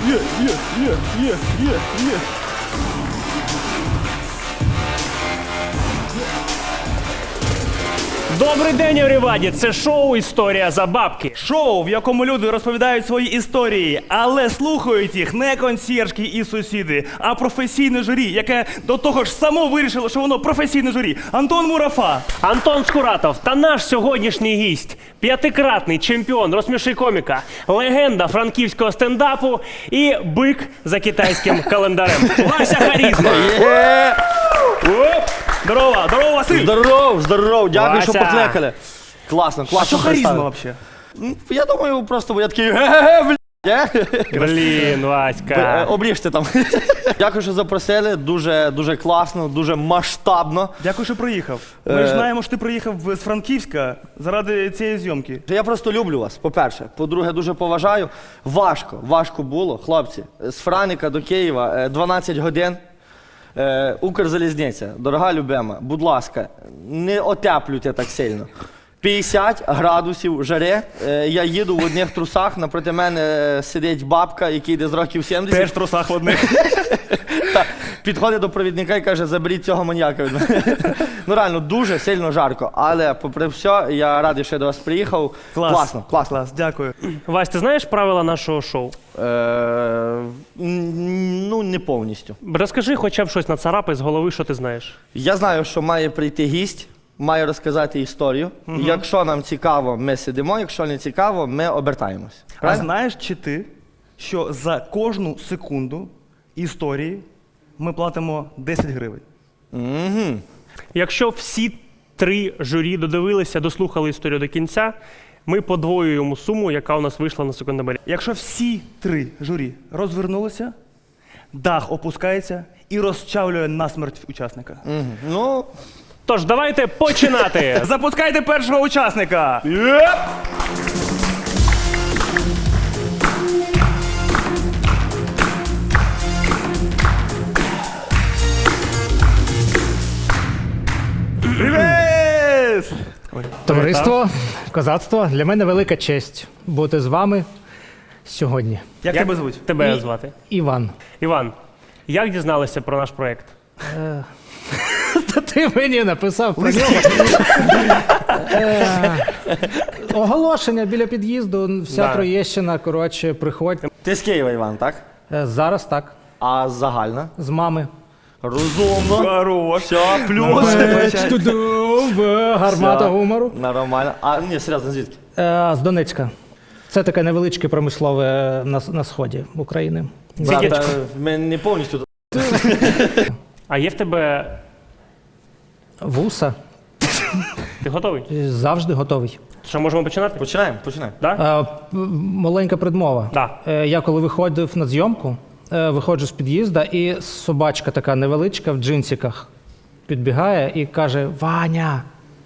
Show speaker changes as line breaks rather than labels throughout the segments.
Добрий день, everybody! Це шоу «Історія за бабки».
Шоу, в якому люди розповідають свої історії, але слухають їх не консьєржки і сусіди, а професійне журі, яке до того ж само вирішило, що воно професійне журі. Антон Мурафа.
Антон Скуратов та наш сьогоднішній гість – п'ятикратний чемпіон «Розсміши коміка», легенда франківського стендапу і бик за китайським календарем. Вася Харізма! Здорово, здорово, Василь!
Здоров, дякую,
Вася.
що покликали. Класно.
А що харизма взагалі?
Я думаю, просто я такий ге-ге-ге, блядь.
Блін, Васька.
Обріжте там. Дякую, що запросили. Дуже класно, дуже масштабно.
Дякую, що приїхав. Ми ж знаємо, що ти приїхав з Франківська заради цієї зйомки.
Я просто люблю вас, по-перше. По-друге, дуже поважаю. Важко було, хлопці. З Франика до Києва 12 годин. Укрзалізниця, дорога любима, будь ласка, не отеплюйте так сильно. 50 градусів жари, я їду в одних трусах, напроти мене сидить бабка, який йде з років 70.
Теж в трусах в одних.
Підходить до провідника і каже, заберіть цього маніяка від мене. Ну реально, дуже сильно жарко, але попри все, я радий, що я до вас приїхав. Класно.
Клас, дякую.
Вась, ти знаєш правила нашого шоу?
Ну, не повністю.
Розкажи хоча б щось нацарапай з голови, що ти знаєш.
Я знаю, що має прийти гість, має розказати історію. Якщо нам цікаво, ми сидимо, якщо не цікаво, ми обертаємось.
А знаєш чи ти, що за кожну секунду історії ми платимо 10 гривень?
Якщо всі 3 журі додивилися, дослухали історію до кінця, ми подвоюємо суму, яка у нас вийшла на секундомері.
Якщо всі 3 журі розвернулися, дах опускається і розчавлює насмерть учасника.
Ну,
Тож, давайте починати!
Запускайте першого учасника! Привіт!
Товариство, козацтво, для мене велика честь бути з вами сьогодні.
Як тебе звуть?
Тебе звати?
Іван.
Іван, як дізналися про наш проєкт?
Та ти мені написав про нього. Оголошення біля під'їзду, вся Троєщина, коротше, приходь.
ти з Києва, Іван, так?
Зараз так,
А загальна?
з мами.
Розумно.
Хорош.
Все, плюс.
Гармата гумору.
Нормально. А, ні, серйозно, звідки?
З Донецька. Це таке невеличке промислове на сході України.
Брат, ми не повністю...
А є в тебе...
Вуса.
Ти готовий?
Завжди готовий.
Що, можемо починати?
Починаємо.
Да?
Маленька предмова.
Да.
Я коли виходив на зйомку, виходжу з під'їзда, і собачка така невеличка в джинсиках підбігає і каже: «Ваня!»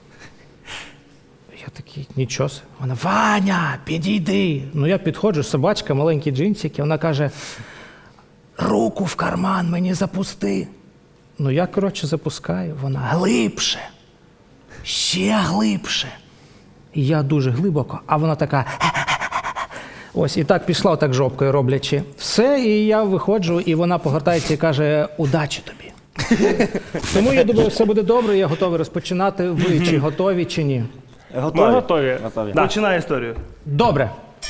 Я такий: «Нічого себе». Вона: «Ваня, підійди!» Ну я підходжу, собачка, маленькі джинсики, вона каже: «Руку в карман мені запусти». Ну я, коротше, запускаю, вона: «Глибше, ще глибше». І я дуже глибоко, а вона така: ось, і так пішла, отак жопкою роблячи. Все, і я виходжу, і вона повертається і каже: «Удачі тобі». Тому я думаю, все буде добре, я готовий розпочинати. Ви чи готові, чи ні?
Ми готові. Да.
Починай історію.
Добре.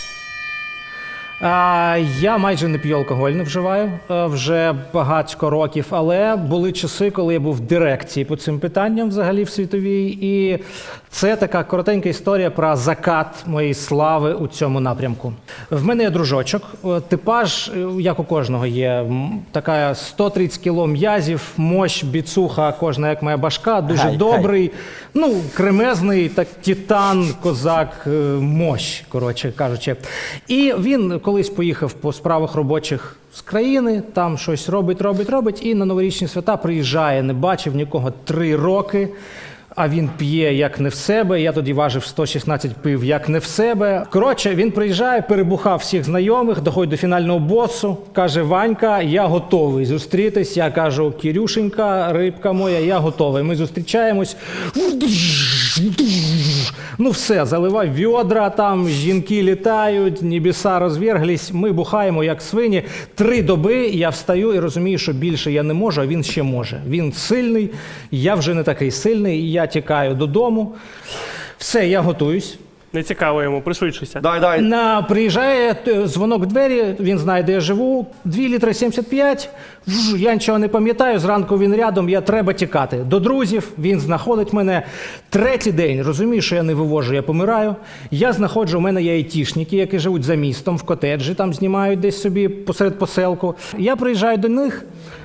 Я майже не п'ю алкоголь, не вживаю вже багатько років, але були часи, коли я був в дирекції по цим питанням взагалі в світовій, і це така коротенька історія про закат моєї слави у цьому напрямку. В мене є дружочок, типаж, як у кожного є, така 130 кіло м'язів, мощ, біцуха, кожна як моя башка, дуже добрий, ну, кремезний, так, титан, козак, мощ, коротше кажучи. І він колись поїхав по справах робочих з країни, там щось робить, і на новорічні свята приїжджає, не бачив нікого 3 роки, а він п'є як не в себе, я тоді важив 116, пив як не в себе. Коротше, він приїжджає, перебухав всіх знайомих, доходить до фінального босу, каже: «Ванька, я готовий зустрітись». Я кажу: «Кірюшенька, рибка моя, я готовий». Ми зустрічаємось. Ну все, заливай відра, там жінки літають, небеса розверглись, ми бухаємо як свині. 3 доби я встаю і розумію, що більше я не можу, а він ще може. Він сильний, я вже не такий сильний, я тікаю додому. Все, я готуюсь.
Не цікаво йому, пришвидшуйся.
Давай.
Приїжджає дзвонок в двері, він знає, де я живу. 2 літри 75. Я нічого не пам'ятаю, зранку він рядом, я треба тікати. До друзів, він знаходить мене. 3-й день, розумію, що я не вивожу, я помираю. Я знаходжу, у мене є айтішники, які живуть за містом, в котеджі, там знімають десь собі посеред поселку. Я приїжджаю до них,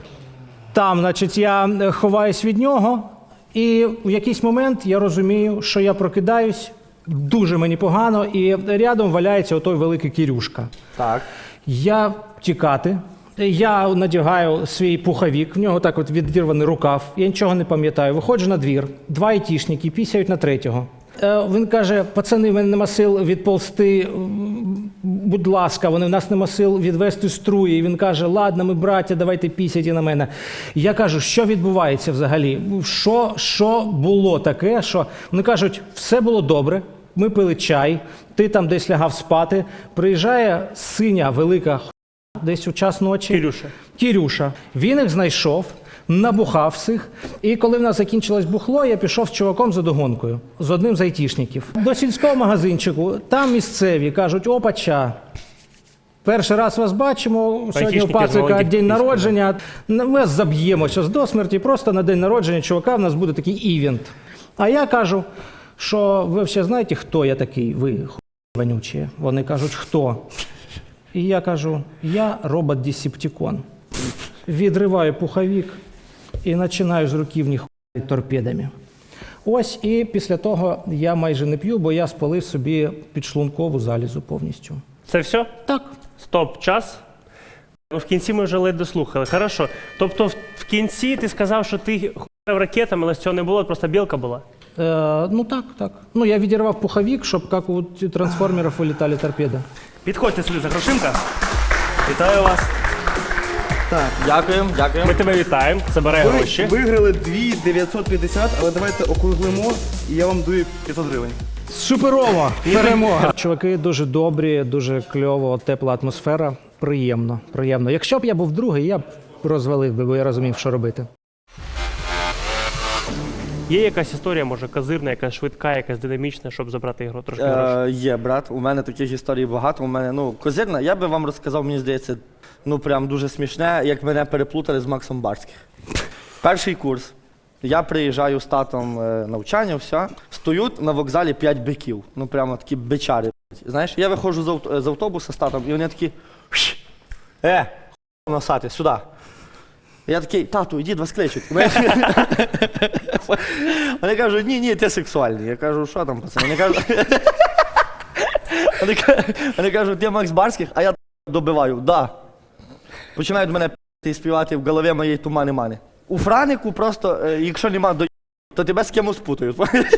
там, значить, я ховаюсь від нього, і в якийсь момент я розумію, що я прокидаюсь, дуже мені погано, і рядом валяється отой великий Кірюшка.
Так.
Я тікати, я надягаю свій пуховик, в нього так от відірваний рукав, я нічого не пам'ятаю. Виходжу на двір, 2 айтішники пісяють на 3-го. Він каже: пацани, в мене нема сил відползти, будь ласка, в нас нема сил відвести струї. І він каже: ладно, ми браття, давайте пісяйте на мене. І я кажу: що відбувається взагалі? Що було таке, що... Вони кажуть: все було добре, ми пили чай, ти там десь лягав спати, приїжджає синя велика хуйня десь у час ночі. Кірюша. Він їх знайшов, набухав всіх. І коли в нас закінчилось бухло, я пішов з чуваком за догонкою, з одним з айтішників. До сільського магазинчику, там місцеві кажуть: опача, перший раз вас бачимо, сьогодні у пацика день народження, ми вас заб'ємо зараз до смерті, просто на день народження чувака в нас буде такий івент. А я кажу, що ви взагалі знаєте, хто я такий, ви вонючі? Вони кажуть: хто? І я кажу: я робот-десептикон. Відриваю пуховик і починаю з руківні хуяти торпедами. Ось, і після того я майже не п'ю, бо я спалив собі підшлункову залізу повністю.
Це все?
Так.
Стоп, час. Ну, в кінці ми вже ледь дослухали. Хорошо. Тобто в кінці ти сказав, що ти хуяв ракетами, але цього не було, просто білка була?
Ну так. Ну я відірвав пуховик, щоб як у трансформерів вилітали торпеди.
Підходьте сюди за грошинка. Вітаю вас. Так.
Дякуємо.
Ми тебе вітаємо, забирай гроші.
Виграли 2950, але давайте округлимо, і я вам даю 500 гривень.
Суперова перемога. Чуваки дуже добрі, дуже кльово, тепла атмосфера. Приємно. Якщо б я був другий, я б розвалив би, бо я розумів, що робити.
Є якась історія, може, козирна, якась швидка, якась динамічна, щоб забрати ігру трошки грошей?
Є, брат. У мене таких історій багато. У мене, козирна, я би вам розказав, мені здається, прям дуже смішне, як мене переплутали з Максом Барським. Перший курс. Я приїжджаю з татом навчання, все. Стоють на вокзалі 5 биків. Прямо такі бичари. Знаєш, я виходжу з автобуса з татом, і вони такі: носати, сюди. Я такий: тату, ідіть, вас кличуть. Вони кажуть: ні, ти сексуальний. Я кажу: що там, пацани? Вони кажуть: ти Макс Барських, а я добиваю: да. Починають мене співати в голові моєї тумани-мани. У Франику просто, якщо нема до, то тебе з кимось спутають.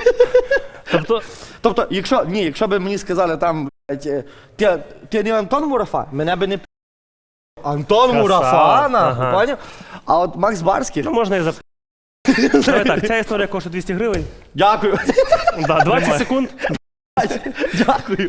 Тобто, якщо б мені сказали там: ти не Антон Мурафа, мене би не Антон Мурафа, нахуй, поняв? А от Макс Барських...
Ну, можна і Давай так, ця історія коштує 200 гривень.
Дякую.
Да, 20 секунд.
Дякую.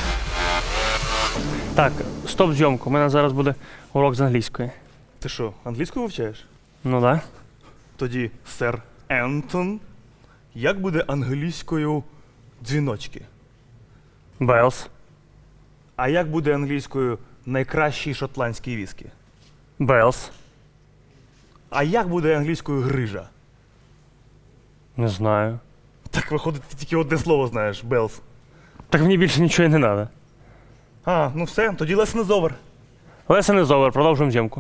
Так, стоп зйомку. У мене зараз буде урок з англійської.
Ти що, англійську вивчаєш?
Ну да.
Тоді, сер Ентон, як буде англійською дзвіночки?
Белс.
А як буде англійською найкращий шотландський віскі?
Белс.
А як буде англійською грижа?
Не знаю.
Так виходить, ти тільки одне слово знаєш, Белс.
Так мені більше нічого і не треба.
А, ну все, тоді lesson is over.
Lesson is over, продовжуємо зйомку.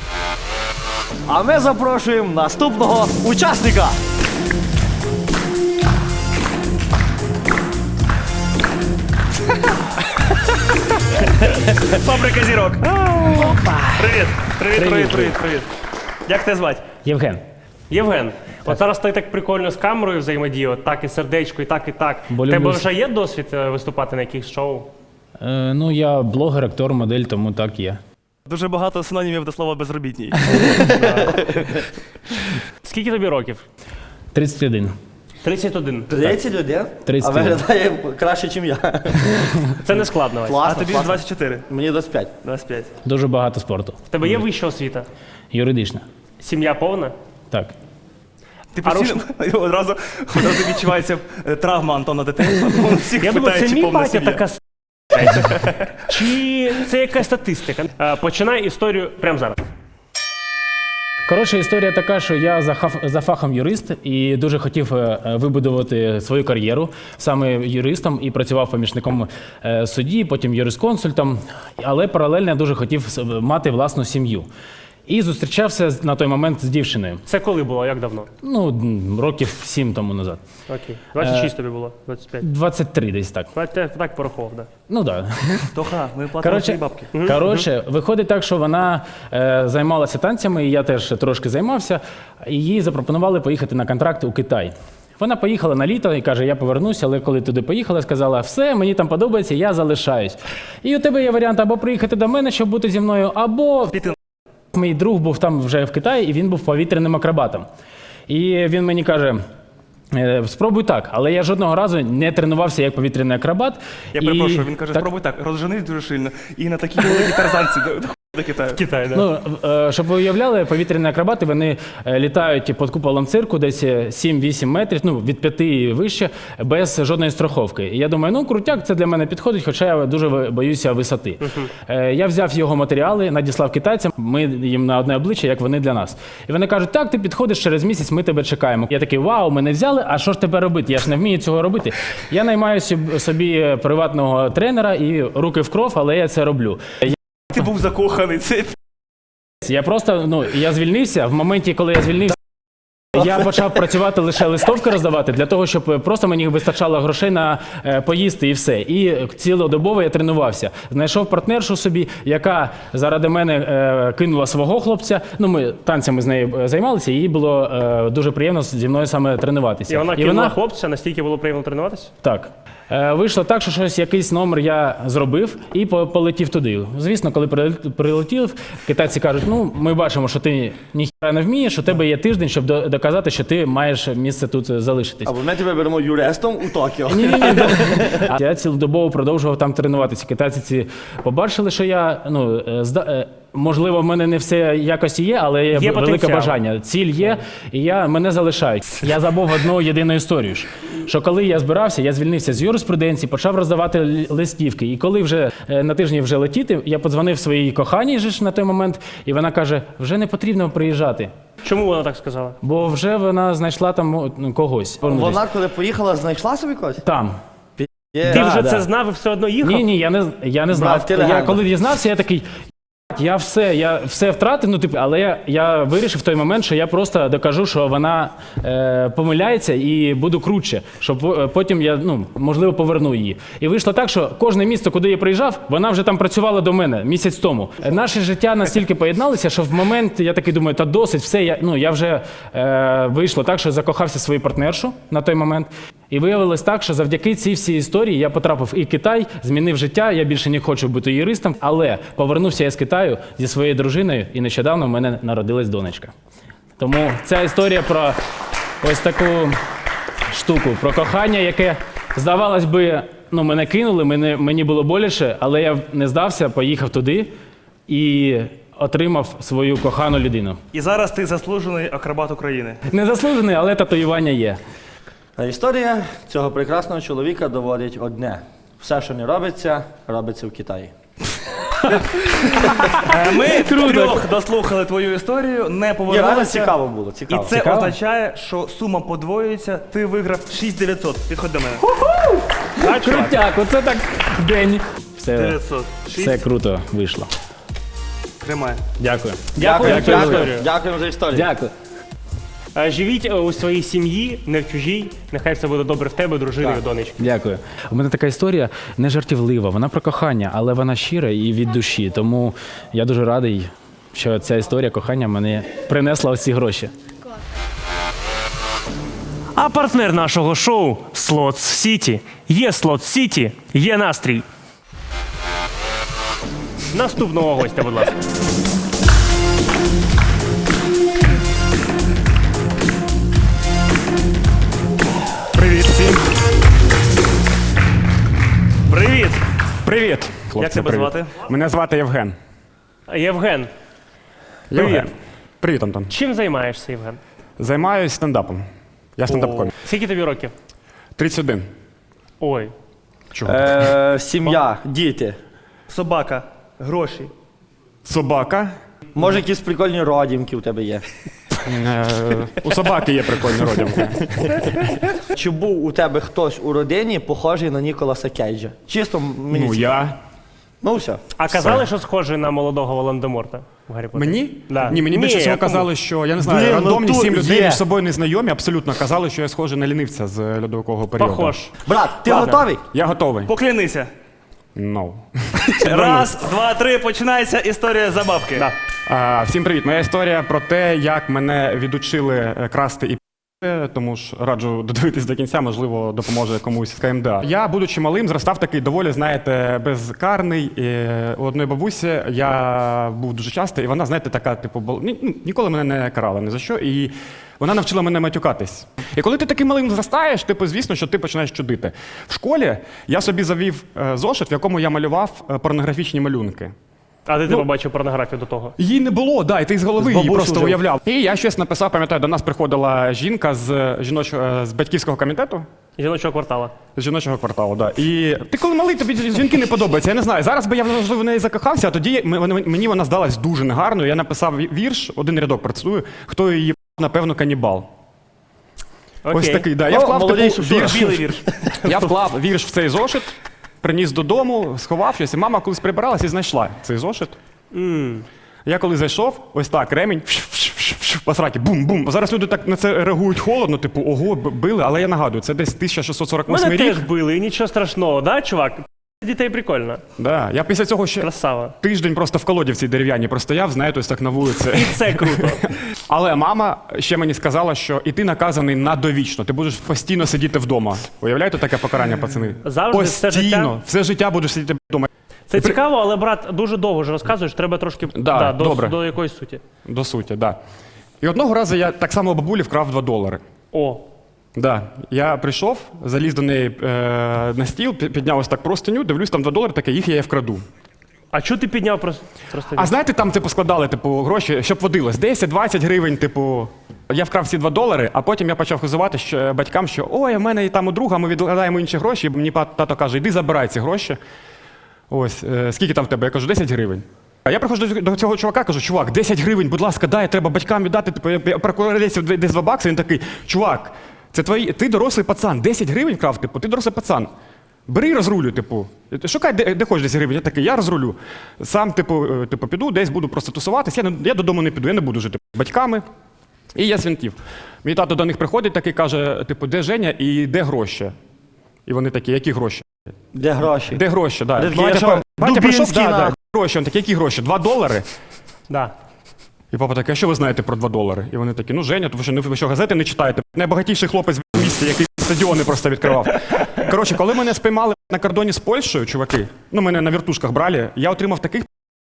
А ми запрошуємо наступного учасника.
Фабрика зірок. Привіт. Як тебе звати?
Євген.
Євген. От зараз ти так прикольно з камерою взаємодіяв, так і сердечко, і так, і так.
Бо
У тебе
люблю
вже є досвід виступати на якихось шоу?
Ну, я блогер, актор, модель, тому так є.
Дуже багато синонімів до слова безробітній.
Скільки тобі років?
31.
31.
31?
31.
А виглядає краще, ніж я.
Це не складно, Вась.
А
Класно,
тобі ж
класно.
24.
Мені 25.
25.
Дуже багато спорту.
В тебе є вища освіта?
Юридична.
Сім'я повна?
Так.
Ти постійно одразу відчувається травма Антона дитинства. Тому всіх
Я думаю,
питає,
це
чи
мій
повна
батя
сім'я.
така Чи це якась статистика? Починай історію прямо зараз.
Коротше, історія така, що я за фахом юрист і дуже хотів вибудувати свою кар'єру саме юристом і працював помічником судді, потім юрисконсультом, але паралельно я дуже хотів мати власну сім'ю. І зустрічався на той момент з дівчиною.
Це коли було? Як давно?
Ну, років 7 тому назад.
Окей. 26 тобі було? 25?
23 десь так.
Так порахував, так.
Ну так. Да.
Тоха, ми платимо свої бабки.
Коротше, виходить так, що вона займалася танцями, і я теж трошки займався, і їй запропонували поїхати на контракт у Китай. Вона поїхала на літо і каже, я повернуся, але коли туди поїхала, сказала, все, мені там подобається, я залишаюсь. І у тебе є варіант або приїхати до мене, щоб бути зі мною, або
Піти.
мій друг був там вже в Китаї, і він був повітряним акробатом. І він мені каже, спробуй так, але я жодного разу не тренувався як повітряний акробат.
Я перепрошую, він каже, спробуй так, розженись дуже сильно. І на такій великій тарзанці до Китаю.
Китай, так.
Ну, щоб ви уявляли, повітряні акробати, вони літають під куполом цирку десь 7-8 метрів, ну, від 5 і вище, без жодної страховки. І я думаю, ну, крутяк, це для мене підходить, хоча я дуже боюся висоти. Я взяв його матеріали, надіслав китайцям, ми їм на одне обличчя, як вони для нас. І вони кажуть, так, ти підходиш, через місяць ми тебе чекаємо. Я такий, вау, мене взяли, а що ж тебе робити? Я ж не вмію цього робити. Я наймаю собі приватного тренера і руки в кров, але я це роблю.
Ти був закоханий, це
Я просто, ну, я звільнився, в моменті, коли я звільнився, я почав працювати лише листовки роздавати, для того, щоб просто мені вистачало грошей на поїсти і все. І цілодобово я тренувався. Знайшов партнершу собі, яка заради мене кинула свого хлопця. Ну, ми танцями з нею займалися, і їй було дуже приємно зі мною саме тренуватися.
І вона кинула хлопця, настільки було приємно тренуватися?
Так. Вийшло так, що якийсь номер я зробив і полетів туди. Звісно, коли прилетів, китайці кажуть, ну, ми бачимо, що ти ніхіра не вмієш, у тебе є тиждень, щоб доказати, що ти маєш місце тут залишитись.
Або ми тебе беремо юристом у Токіо.
Ні. Я цілодобово продовжував там тренуватися. Китайці ці побачили, що я, ну, можливо, в мене не все якості є, але є велике
потенціал.
бажання. Ціль є, і мене залишають. Я забув одну єдину історію, що коли я збирався, я звільнився з юриспруденції, почав роздавати листівки. І коли вже на тижні вже летіти, я подзвонив своїй коханій же ж на той момент, і вона каже, вже не потрібно приїжджати.
Чому вона так сказала?
Бо вже вона знайшла там когось.
Вона, коли поїхала, знайшла собі когось?
Там.
Ти вже це знав і все одно їхав?
Ні, я не знав.
ти легенда.
Я коли дізнався, я такий. Я все втратив, ну, типу, але я вирішив в той момент, що я просто докажу, що вона помиляється і буду круче, щоб потім я, ну, можливо, поверну її. І вийшло так, що кожне місто, куди я приїжджав, вона вже там працювала до мене місяць тому. Наше життя настільки поєдналися, що в момент я такий думаю, та досить, все, я вже вийшло так, що закохався в свою партнершу на той момент. І виявилось так, що завдяки цій всій історії я потрапив і в Китай, змінив життя, я більше не хочу бути юристом, але повернувся я з Китаю зі своєю дружиною, і нещодавно в мене народилась донечка. Тому ця історія про ось таку штуку, про кохання, яке, здавалось би, ну, мене кинули, мені було боляче, але я не здався, поїхав туди і отримав свою кохану людину.
І зараз ти заслужений акробат України.
Не заслужений, але татуювання є.
А історія цього прекрасного чоловіка доводить одне. Все, що не робиться, робиться в Китаї.
Ми трьох дослухали твою історію, не
Ні, реально
повернулися.
цікаво було,
І
цікаво.
це
Цікаво?
означає, що сума подвоюється, ти виграв 6900. Підходь до мене.
Крутяк, оце так день. Все,
900.
все круто вийшло.
Тримай.
Дякую.
Дякую за цю історію.
Дякуємо за історію.
Дякую.
Живіть у своїй сім'ї, не в чужій. Нехай все буде добре в тебе, дружиною, донечки.
Дякую. У мене така історія не жартівлива, вона про кохання, але вона щира і від душі. Тому я дуже радий, що ця історія кохання мені принесла ці гроші.
А партнер нашого шоу Slots City. Є Slots City, є настрій. Наступного гостя, будь ласка.
Як тебе
привіт.
звати?
Мене звати Євген.
Євген, привіт.
Євген. Привіт, Антон.
Чим займаєшся, Євген?
Займаюсь стендапом. Я стендап-комік.
Скільки тобі років?
31.
Ой.
Чого?
Сім'я, діти.
Собака, гроші.
Собака.
Може, якісь прикольні родімки у тебе є.
У собаки є прикольні родинки.
Чи був у тебе хтось у родині похожий на Ніколаса Кейджа? Чисто мені
Ну,
цікаво.
я.
Ну, все.
А казали, що схожий на молодого Волан-де-Морта в Гаррі Поттері?
Мені?
Да.
Ні, мені більше
Ні,
всього
а кому?
казали, що, я не знаю,
Блін, ну
рандомні
тут
7 людей
є.
між собою незнайомі абсолютно казали, що я схожий на лінивця з льодовикового періоду.
Похож.
Брат, ти
Ладно.
готовий?
Я готовий.
Поклянися.
No.
Раз, два, три, починається історія забавки.
Да.
Всім привіт. Моя історія про те, як мене відучили красти і пи***ти, тому ж раджу додивитись до кінця, можливо, допоможе комусь з КМДА. Я, будучи малим, зростав такий доволі, знаєте, безкарний. І у одної бабусі я був дуже часто, і вона, знаєте, така, типу, ніколи мене не карала ні за що. І вона навчила мене матюкатись. І коли ти таким малим зростаєш, типу, звісно, що ти починаєш чудити. В школі я собі завів зошит, в якому я малював порнографічні малюнки.
А де ти побачив порнографію до того?
Її не було, да, і ти з голови її
бабусю
просто
вже.
уявляв. І я щось написав, пам'ятаю, до нас приходила жінка з з батьківського комітету,
Жіночого квартала.
з жіночого кварталу, да. І ти коли малий, тобі жінки не подобаються. Я не знаю. Зараз би я можливо в неї закохався, а тоді мені вона здалась дуже негарною. Я написав вірш, один рядок працюю, хто її напевно канібал.
Окей.
Ось такий, да. Я
Ну,
вклав
молодий
типу,
Шушура.
вірш.
Білий вірш.
Я вклав вірш в цей зошит, приніс додому, сховав щось, і мама колись прибиралась і знайшла цей зошит. Я коли зайшов, ось так, ремінь, по сраці, бум-бум. Зараз люди так на це реагують холодно, типу, ого, били, але я нагадую, це десь 1648
Мене
рік.
теж били, і нічого страшного, да, чувак? Дітей прикольно.
Да. Я після цього ще
Красава.
тиждень просто в колодівці дерев'яній простояв, знаєте, ось так на вулиці.
І це круто.
Але мама ще мені сказала, що і ти наказаний на довічно, ти будеш постійно сидіти вдома. Уявляєте таке покарання, пацани?
Завжди, все життя?
Постійно, все життя будеш сидіти вдома.
Це цікаво, але, брат, дуже довго ж розказуєш, треба трошки
Да, добре.
до якоїсь суті.
До суті, так. Да. І одного разу я так само у бабулі вкрав $2.
О,
Да. Я прийшов, заліз до неї на стіл, підняв ось так простиню, дивлюсь, там $2, таке, їх я вкраду.
а чого ти підняв просто?
А знаєте, там типу складали типу, гроші, щоб водилось, 10-20 гривень, типу. Я вкрав ці $2, а потім я почав хизувати батькам, що ой, в мене і там у друга, ми відкладаємо інші гроші, і мені тато каже, іди забирай ці гроші. Ось, скільки там в тебе? Я кажу, 10 гривень. А я приходжу до цього чувака, кажу, чувак, 10 гривень, будь ласка, дай, треба батькам віддати, типу, я прокурорів десь $2, він такий, чувак, це ти дорослий пацан, 10 гривень вкрав, типу, ти дорослий пацан. Бери і розрулюй, типу. Шукай, де хочеш 10 гривень. Я такий, я розрулю. Сам, типу, піду, десь буду просто тусуватись, я додому не піду, я не буду жити з батьками. І я свинтів. Мій тато до них приходить, такий каже, типу, де Женя і де гроші? І вони такі, які гроші?
Де гроші?
Де гроші, да.
Де-
Батя
я що,
прийшов,
Дубінський,
да,
нахуй?
гроші, він такий, які гроші? $2?
Да.
І папа такий, а що ви знаєте про $2? І вони такі, ну Женя, ви що, газети не читаєте? Найбагатіший хлопець в місті, який стадіони просто відкривав. Коротше, коли мене спіймали на кордоні з Польщею, чуваки, ну мене на вертушках брали, я отримав таких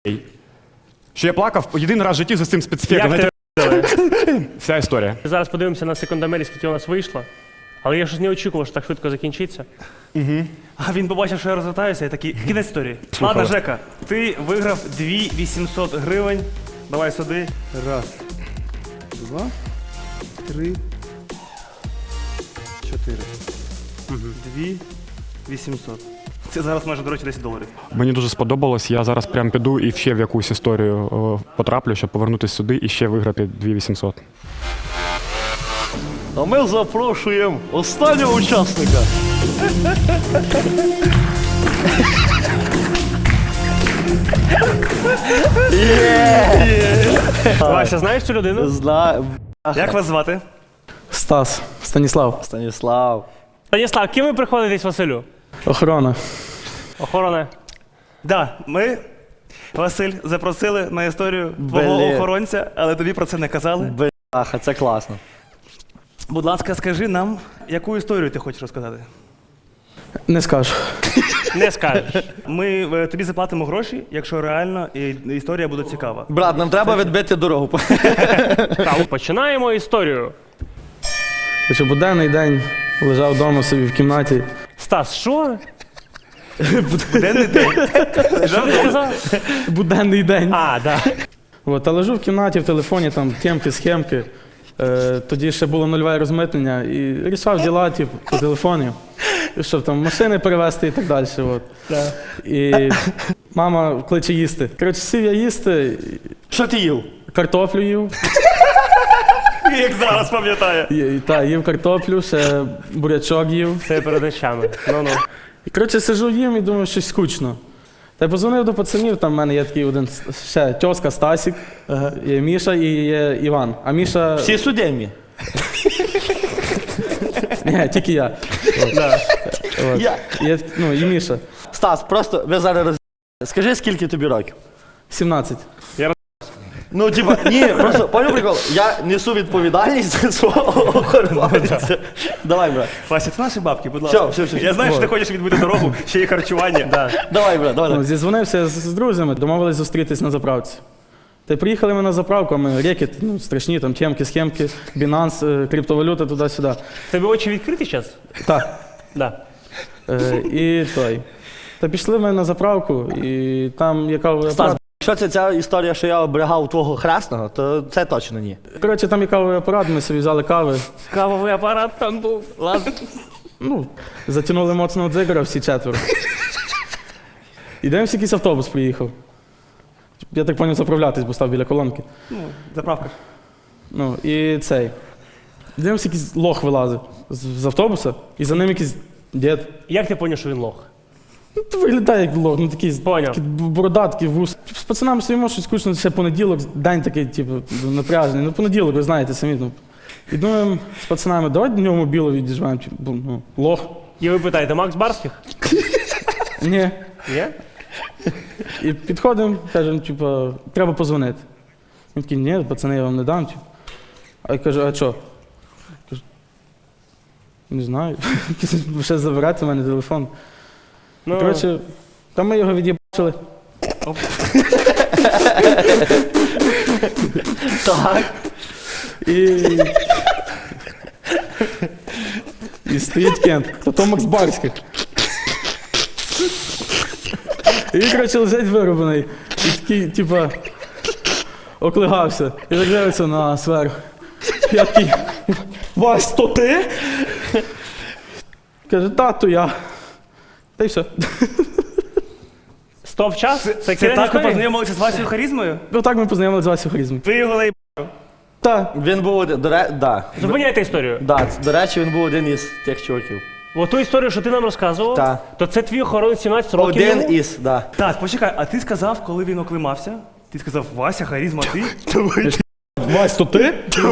що я плакав єдиний раз в житті за цим спецефектом.
Як
Знаєте, вся історія.
Зараз подивимося на секундомері, скільки у нас вийшло. Але я щось не очікував, що так швидко закінчиться.
А він побачив, що я розвертаюся, і такий, кінець історії. Ладно, Жека, ти виграв 2800 гривень. Давай сюди. Раз, два, три, чотири. 2800. Це зараз майже, до речі, $10.
Мені дуже сподобалось, я зараз прям піду і ще в якусь історію потраплю, щоб повернутися сюди і ще виграти 2800.
А ми запрошуємо останнього учасника.
Вася, знаєш цю людину?
Знаю.
Як вас звати?
Стас, Станіслав,
Станіслав.
Станіслав, ким ви приходитесь Василю?
охорона.
Охорона.
Да, ми, Василь, запросили на історію твого
Блін.
охоронця, але тобі про це не казали.
Бляха, це класно.
Будь ласка, скажи нам, яку історію ти хочеш розказати?
Не скажу.
Не скажеш.
Ми тобі заплатимо гроші, якщо реально історія буде цікава.
Брат, нам треба відбити дорогу.
Так, починаємо історію.
Хоча буденний день лежав вдома собі в кімнаті.
Стас, що?
Буденний день.
Що ти сказав?
Буденний день.
А, да.
Та лежу в кімнаті, в телефоні, там темки, схемки. Тоді ще було нульове розмитнення і рішав діла, типу, по телефоні. І щоб там машини перевезти і так далі. От. І мама кличе їсти. Коротше, сів я їсти,
Що ти їв?
картоплю їв.
Як зараз пам'ятає.
Їв картоплю, ще бурячок їв.
Це перед очами. Ну-ну.
І коротше, сижу їм і думаю, щось скучно. Та й позвонив до пацанів, там в мене є такий один ще тьоска Стасік, є Міша і є Іван. А Міша.
Всі судимі.
Ні, тільки я. От.
Я.
І Міша.
Стас, просто ви зараз скажи, скільки тобі років?
17.
Ну, типа, ні, просто, поняв прикол, я несу відповідальність за свого охоронця. Давай, брат.
Вася, це наші бабки, будь ласка.
Все.
Я знаю, що ти хочеш відбити дорогу, ще є харчування.
Давай, брат, давай.
Зізвонився з друзями, домовились зустрітись на заправці. Та й приїхали ми на заправку, а ми рекет, страшні, там темки, схемки, Binance, криптовалюта, туди-сюди.
Тебе очі відкриті зараз?
Так.
Да.
І той. Та пішли ми на заправку, і там яка
Стас, якщо це ця історія, що я оберігав твого хресного, то це точно ні.
Коротше, там є кавовий апарат, ми собі взяли кави.
Кавовий апарат там був. Ладно.
Затягнули моцного дзигара всі четверо. І дивимося, якийсь автобус приїхав. Я так поняв заправлятись, бо став біля колонки.
Заправка.
І цей. Дивимося, якийсь лох вилазить з автобуса, і за ним якийсь дід.
Як ти зрозумів, що він лох?
Виглядає як лох, такий,
Поняв.
такий бородатий вус. З пацанами стоїмо, щось скучно, ще понеділок, день такий, типу, напряжений. Понеділок, ви знаєте самі. І думаємо з пацанами, давай до нього мобілу відіжмемо, лох.
І ви питаєте, Макс Барських?
Ні.
Є?
І підходимо, кажемо, типу, треба позвонити. Він такий, ні, пацани, я вам не дам. Типу. А я кажу, а що? Кажу, не знаю. Ще забирати в мене телефон.
Ну,
Коротше, там ми його від'єбачили.
Так.
І стоїть Кент, то Макс Барських. І він, коротше, лежить вироблений. І такий, типа, оклигався. І так дивиться на нас зверху. Я такий, Вась, то ти? Каже, то я. Та й все.
стоп час? Це
Це
кінець
так ви
історії?
познайомилися з Васею Харізмою?
Так ми познайомилися з Васю Харізмою.
Ти його лей...
Так.
Він був один,
Зупиняйте історію.
до речі, він був один із тих чуваків.
О ту історію, що ти нам розказував,
Так.
то це твій охоронець 17 років
Один
йому?
із, да.
Так, почекай, а ти сказав, коли він оклимався? Ти сказав, Вася Харізма, ти?
Вась, то ти?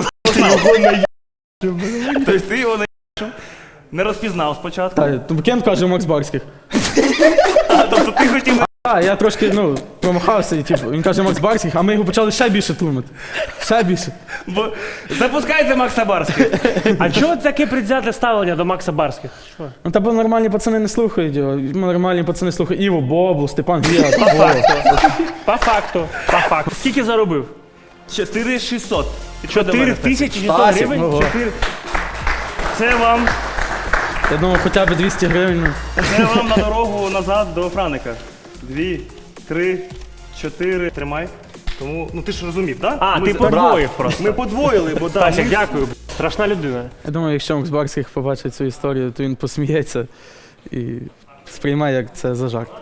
Тобто ти його не розпізнав спочатку.
Так, Кент каже Макс Барських.
Тобто ти хотів...
Я трошки, промахався, і типу, він каже Макс Барських, а ми його почали ще більше тлумити. Ще більше.
Бо... Запускайте Макса Барських.
А чого таке предвзяте ставлення до Макса Барських? Що?
Та бо нормальні пацани не слухають його. Нормальні пацани слухають Іво Бобу, Степан Гіа.
По факту. Скільки заробив?
4600.
4600
Стасік,
гривень?
ого.
Це вам
Я думав, хоча б 200 гривень.
Це вам на дорогу назад до Франика. 2, 3, 4. Тримай. Тому, ти ж розумів, так?
А, ти подвоїв просто.
Ми подвоїли, бо
Стасік, дякую. Страшна людина.
Я думаю, якщо Макс Барських побачить цю історію, то він посміється і сприймає, як це за жарт.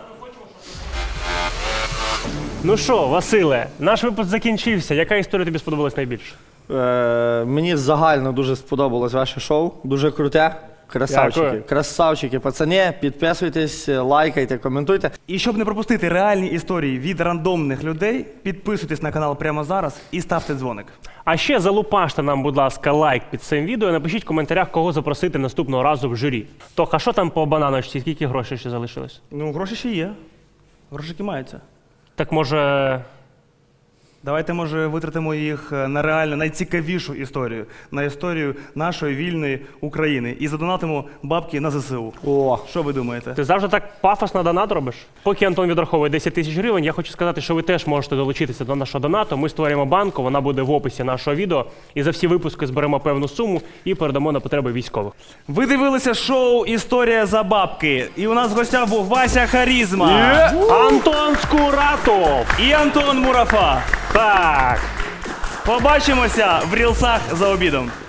Ну що, Василе, наш випуск закінчився. Яка історія тобі сподобалась найбільше?
Мені загально дуже сподобалось ваше шоу. Дуже круте. Красавчики.
Дякую.
Красавчики, пацани. Підписуйтесь, лайкайте, коментуйте.
І щоб не пропустити реальні історії від рандомних людей, підписуйтесь на канал прямо зараз і ставте дзвоник.
А ще залупаште нам, будь ласка, лайк під цим відео і напишіть в коментарях, кого запросити наступного разу в журі. Тох, а що там по бананочці? Скільки грошей ще залишилось?
Гроші ще є. Грошики маються.
Так може
Давайте, може, витратимо їх на реально найцікавішу історію, на історію нашої вільної України. І задонатимо бабки на ЗСУ.
О,
Що ви думаєте?
Ти завжди так пафосно донат робиш? Поки Антон відраховує 10 тисяч гривень, я хочу сказати, що ви теж можете долучитися до нашого донату. Ми створюємо банку, вона буде в описі нашого відео. І за всі випуски зберемо певну суму і передамо на потреби військових.
Ви дивилися шоу «Історія за бабки». І у нас в гостях був Вася Харізма
Антон Скуратов!
і Антон Мурафа.
Так!
Побачимося в рілсах за обідом.